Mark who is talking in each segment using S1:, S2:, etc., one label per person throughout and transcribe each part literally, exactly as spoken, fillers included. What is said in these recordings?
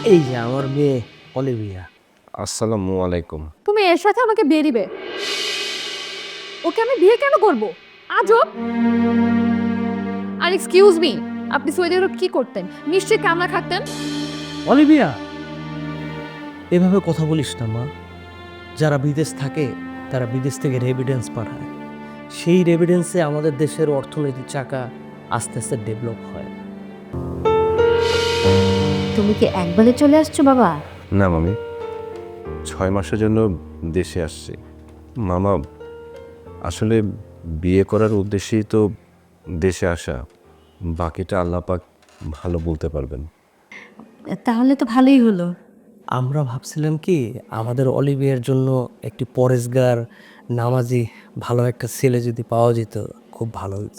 S1: এই যে আমার মেয়ে অলিভিয়া।
S2: আসসালামু আলাইকুম।
S3: তুমি এর সাথে আমাকে বিয়ে দিবে? ওকে আমি বিয়ে কেন করব? আজব। আর এক্সকিউজ মি, আপনি সৌদি আরব কি করতেন? নিশ্চয়ই কামলা খাটতেন।
S1: অলিভিয়া, এভাবে কথা বলিস না মা। যারা বিদেশ থাকে তারা বিদেশ থেকে রেভিডেন্স পাঠায়, সেই রেভিডেন্সে আমাদের দেশের অর্থনৈতিক চাকা আস্তে আস্তে ডেভেলপ হয়।
S4: তুমি কি একবারে চলে আসছো বাবা?
S2: না মামি, ছয় মাসের জন্য দেশে আসছি। মামা, আসলে বিয়ে করার উদ্দেশ্যেই তো দেশে আসা, বাকিটা আল্লাহ পাক ভালো বলতে পারবেন।
S4: তাহলে তো ভালোই হলো।
S1: আমরা ভাবছিলাম কি আমাদের অলিভিয়ার জন্য একটি পরেশগার, নামাজি ভালো একটা ছেলে যদি পাওয়া যেত খুব ভালো হতো।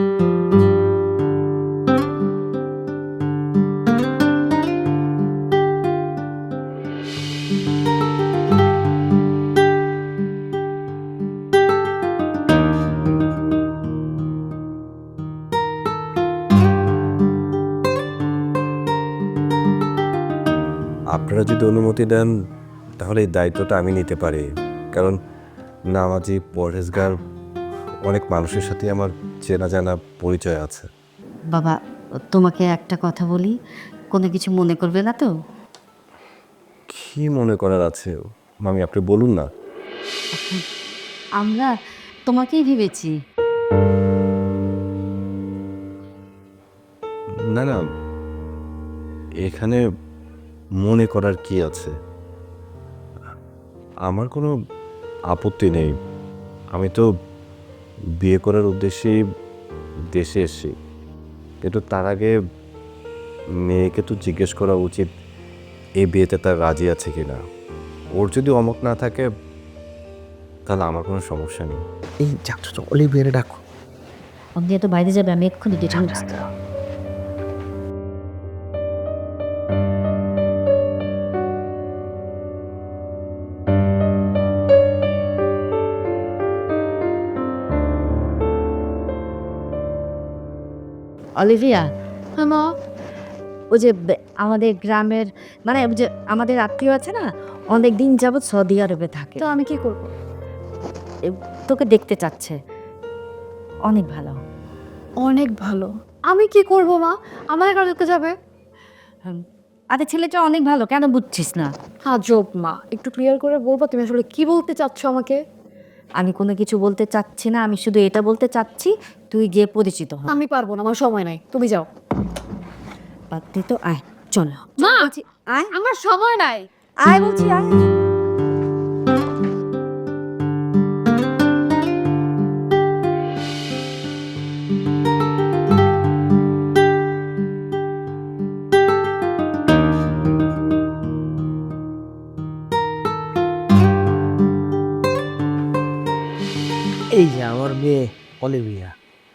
S2: আপনারা যদি অনুমতি দেন তাহলে এই দায়িত্বটা আমি নিতে পারি, কারণ নামাজি পরহেজগার অনেক মানুষের সাথে আমার চেনা জানা পরিচয় আছে।
S4: বাবা, তোমাকে একটা কথা বলি, কোনো কিছু মনে করবে না তো?
S2: কি মনে করার আছে মামি, আপনি বলুন না।
S4: আমরা তোমাকেই ভেবেছি।
S2: না না, এখানে মনে করার কি আছে? আমার কোনো আপত্তি নেই। আমি তো বিয়ে করার উদ্দেশ্যেই দেশে এসেছি, কিন্তু তার আগে মেয়েকে তো জিজ্ঞেস করা উচিত এই বিয়েতে তার রাজি আছে কিনা। ওর যদি অমত না থাকে তাহলে আমার কোনো সমস্যা নেই।
S1: এই যাচ্ছ অলিভিয়ারে ডাকো।
S4: অন্দি তো বাইরে যাবে, আমি এক্ষুনি ডিটেন অলিভিয়া,
S3: হ্যাঁ মা।
S4: ওই যে বে- আমাদের গ্রামের, মানে ওই যে আমাদের আত্মীয় আছে না, অনেক দিন যাবৎ সৌদি আরবে থাকে।
S3: তো আমি কি করব?
S4: এ, তোকে দেখতে চাচ্ছে। অনেক ভালো।
S3: অনেক ভালো। আমি কি করব মা? আমার কাছে দেখতে যাবে?
S4: হুম। আরে ছেলেটা অনেক ভালো, কেন বুঝছিস না?
S3: আজব মা, একটু ক্লিয়ার করে বলবো তুমি আসলে কি বলতে চাচ্ছ আমাকে?
S4: আমি কোনো কিছু বলতে চাচ্ছি না, আমি শুধু এটা বলতে চাচ্ছি তুই গিয়ে পরিচিত হ।
S3: আমি পারবো না, আমার সময় নাই, তুমি যাও।
S4: পাত্রী তো আয়, চলো।
S3: মা,
S4: বলছি, আয়
S3: আমার সময় নাই।
S4: আয় বলছি আয়।
S1: এই যে আমার মেয়ে অলিভিয়া।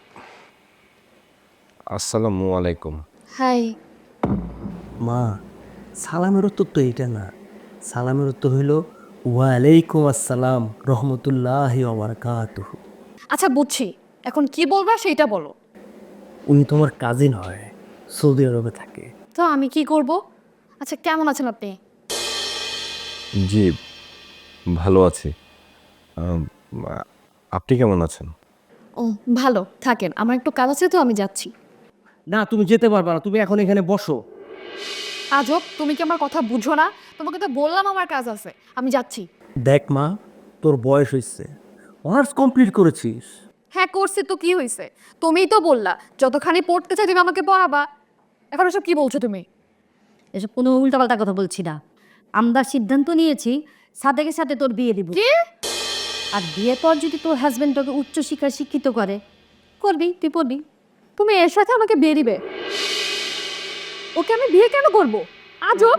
S2: আসসালামু আলাইকুম।
S3: হাই।
S1: মা, সালামের উত্তর তো এইটা না। সালামের উত্তর হইল ওয়ালাইকুম আসসালাম রহমতুল্লাহি ওয়া বারাকাতুহু।
S3: আচ্ছা বুঝছি, এখন কি বলবা সেটা বলো।
S1: উনি তোমার কাজিন হয়, সৌদি আরবে থাকে।
S3: তো আমি কি করব? আচ্ছা কেমন আছেন আপনি?
S2: জি, ভালো আছি। আম, আ- আপনি কেমন আছেন?
S3: ও, ভালো থাকেন, আমার একটু কাজ আছে তো আমি যাচ্ছি।
S1: না, তুমি যেতে পারবে না, তুমি এখন এখানে বসো।
S3: আজব, তুমি কি আমার কথা বুঝো না? তোমাকে তো বললাম আমার কাজ আছে, আমি যাচ্ছি।
S1: দেখ মা, তোর বয়স হয়েছে, অনার্স কমপ্লিট করেছিস।
S3: হ্যাঁ করছি তো, কি হয়েছে? তুমিই তো বললা যতখানি পড়তে চাই তুমি আমাকে পড়াবা। এখন ওসব কি বলছো তুমি?
S4: এসব কোনো উল্টাপাল্টা কথা বলছি না। আমরা সিদ্ধান্ত নিয়েছি সাদেকের সাথে তোর বিয়ে দিব।
S3: কি?
S4: আর বিয়ের পর যদি তোর হাজবেন্ড তোকে উচ্চশিক্ষায় শিক্ষিত করে, করবি, তুই পড়বি।
S3: তুমি এর সাথে আমাকে বিয়ে দিবে? ওকে আমি বিয়ে কেন করব? আজব।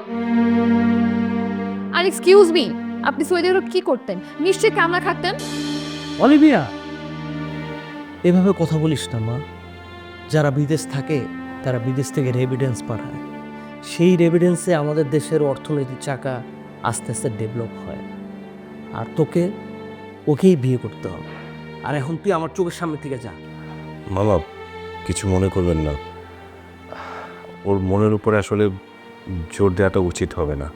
S3: আর এক্সকিউজ মি, আপনি সৌদি আরব কি করতেন? নিশ্চয়ই কামলা খাটতেন।
S1: অলিভিয়া, এভাবে কথা বলিস না মা। যারা বিদেশ থাকে তারা বিদেশ থেকে রেভিডেন্স পাঠায়, সেই রেভিডেন্সে আমাদের দেশের অর্থনৈতিক চাকা আস্তে আস্তে ডেভেলপ হয়। আর তোকে ওকেই বিয়ে করতে হবে। আর এখন তুই আমার চোখের সামনে থেকে যা।
S2: মামা, কিছু মনে করবেন না। ওর মনের উপরে আসলে জোর দেওয়াটা উচিত হবে না।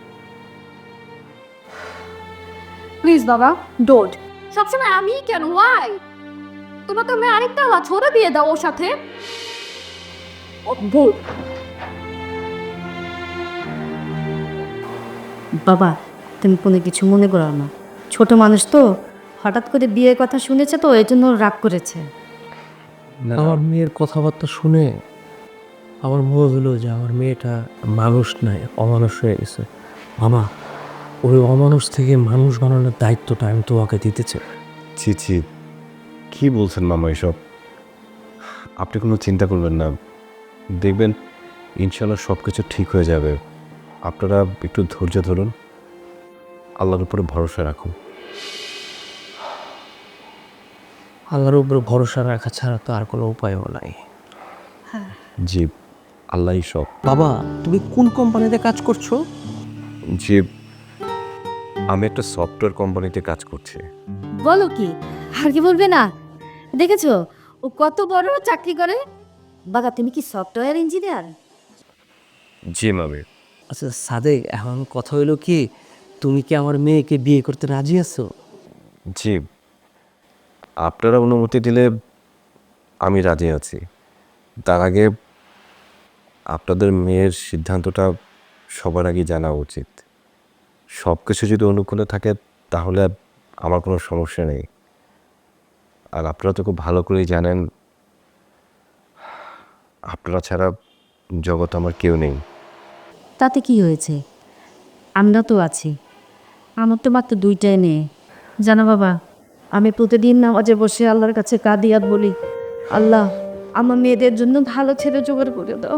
S3: প্লিজ বাবা ডোন্ট। সবসময় আমি কেন, ওয়াই? তোমার তো মেয়ে আরেকটা ছোট বিয়ে দাও ওর সাথে। অদ্ভুত।
S4: বাবা তুমি কোনো কিছু মনে করো না, ছোট মানুষ তো, হঠাৎ করে বিয়ের কথা শুনেছে তো এই জন্য রাগ করেছে।
S1: আমার মেয়ের কথাবার্তা শুনে আমার মনে হলো যে আমার মেয়েটা মানুষ নয়, অমানুষ হয়ে গেছে। মামা, ওই অমানুষ থেকে মানুষ বানানোর দায়িত্বটা আমি তোমাকে দিতে চাই।
S2: ছি ছি, কী বলছেন মামা এসব? আপনি কোনো চিন্তা করবেন না, দেখবেন ইনশাল্লাহ সব কিছু ঠিক হয়ে যাবে। আপনারা একটু ধৈর্য ধরুন, আল্লাহর উপরে ভরসা রাখুন।
S1: আল্লাহর উপরে ভরসা রাখা ছাড়া তো আর কোনো উপায়ও নাই।
S2: জি, আল্লাহই সব।
S1: বাবা, তুমি কোন কোম্পানিতে কাজ করছো?
S2: জি, আমি একটা সফটওয়্যার কোম্পানিতে কাজ করছি।
S4: বলো কি, আর কি বলবে না? দেখেছো ও কত বড় চাকরি করে। বাবা তুমি কি সফটওয়্যার ইঞ্জিনিয়ার?
S2: জি মামি।
S1: আচ্ছা সাদেক, এখন কথা হইলো কি, তুমি কি আমার মেয়েকে বিয়ে করতে রাজি আছো?
S2: জি, আপনারা অনুমতি দিলে আমি রাজি আছি। তার আগে আপনাদের মেয়ের সিদ্ধান্তটা সবার আগে জানা উচিত। সব কিছু যদি অনুকূলে থাকে তাহলে আমার কোনো সমস্যা নেই। আর আপনারা তো খুব ভালো করেই জানেন আপনারা ছাড়া জগৎ আমার কেউ নেই।
S4: তাতে কি হয়েছে, আমরা তো আছি। আমার তো মাত্র দুইটাই মেয়ে। জানো বাবা, আমি প্রতিদিন নামাজে বসে আল্লাহর কাছে কাঁদি আর বলি, আল্লাহ আমার মেয়েদের জন্য ভালো ছেলে জোগাড় করে দাও।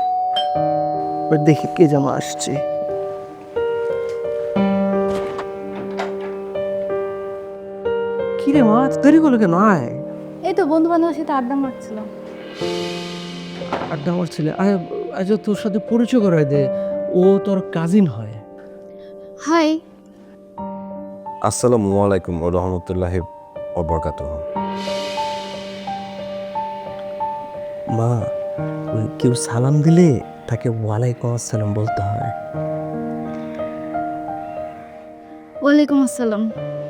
S1: দেখি কে জামা আসছে। কিরে মা, দেরি করলো কেন? আয়।
S3: এই তো বন্ধু বান্ধবের সাথে আড্ডা মারছিলাম।
S1: আড্ডা আমার ছেলে, আয় আজ তোর সাথে পরিচয় করাই দে, ও তোর কাজিন হয়।
S3: হাই।
S2: আসসালামু আলাইকুম ওয়া রাহমাতুল্লাহি ওয়া বারাকাতুহু।
S1: মা, ওই কেউ সালাম দিলে তাকে ওয়ালাইকুম আসসালাম বলতে হয়।
S3: ওয়ালাইকুম আসসালাম।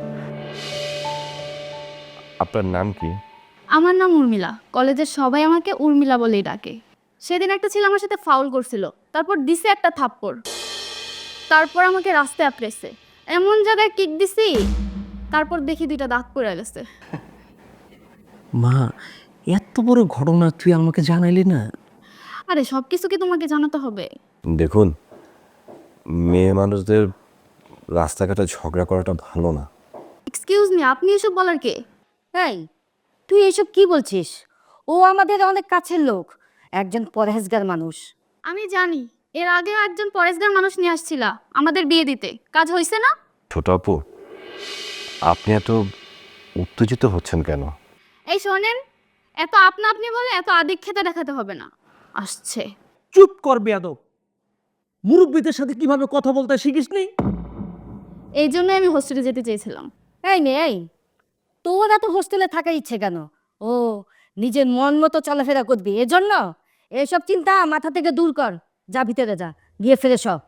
S2: আপনার নাম কি?
S3: আমার নাম উর্মিলা। কলেজের সবাই আমাকে উর্মিলা বলেই ডাকে। সেদিন একটা ছেলে আমার সাথে ফাউল করছিল, তারপর দিছে একটা থাপ্পড়। তারপর আমাকে রাস্তায় আপড়েছে, এমন জায়গায় কিক দিছি, তারপর দেখি দুইটা দাঁত পড়ে গেছে।
S1: মা, এত বড় ঘটনা তুই আমাকে জানাইলি না?
S3: আরে সব কিছু কি তোমাকে জানাতে হবে?
S2: দেখুন, মেয়ে মানুষদের রাস্তাঘাটে ঝগড়া করাটা ভালো না।
S3: এক্সকিউজ মি, আপনি এসব বলার কে?
S4: এই তুই এসব কি বলছিস? ও আমাদের অনেক কাছের লোক, একজন পরহেজগার মানুষ।
S3: আমি জানি, এর আগেও একজন পরেশগার মানুষ নিয়ে আসছিলা আমাদের বিয়ে দিতে, কাজ হয়েছে না?
S2: ছোট আপু, আপনি এত উত্তেজিত হচ্ছেন কেন?
S3: এই শোনেন, এত আপনা আপনি বলে এত আদিক্ষেতা দেখাতে হবে না। আসছে।
S1: চুপ কর বেয়াদব। মুরব্বীদের সাথে কিভাবে কথা বলতে শিখিস নি?
S3: এই জন্যই আমি হোস্টেলে যেতে চেয়েছিলাম।
S4: এই মেয়ে, এই তোর এত হোস্টেলে থাকার ইচ্ছে কেন? ও নিজের মন মতো চলাফেরা করবি এজন্য? এসব চিন্তা মাথা থেকে দূর কর, যা ভিতরে যা, গিয়ে ফ্রেশ হ।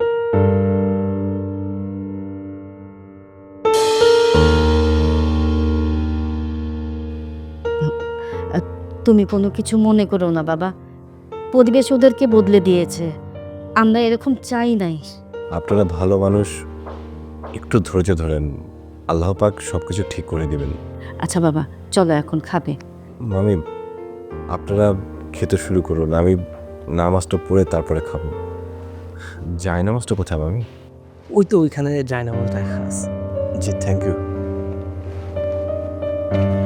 S4: তুমি কোনো কিছু মনে করো না বাবা, পরিবেশ ওদেরকে বদলে দিয়েছে, আমরা এরকম চাই নাই।
S2: আপনারা ভালো মানুষ, একটু ধৈর্য ধরেন, আল্লাহ পাক সব কিছু ঠিক করে দিবেন।
S4: আচ্ছা বাবা চলো এখন খাবে।
S2: মামি, আপনারা খেতে শুরু করুন, আমি নামাজটা পড়ে তারপরে খাবো। যাই নামাজটা কোথায় মামি?
S1: ওই তো ওইখানে যায় না বলতে খাস।
S2: জি, থ্যাংক ইউ।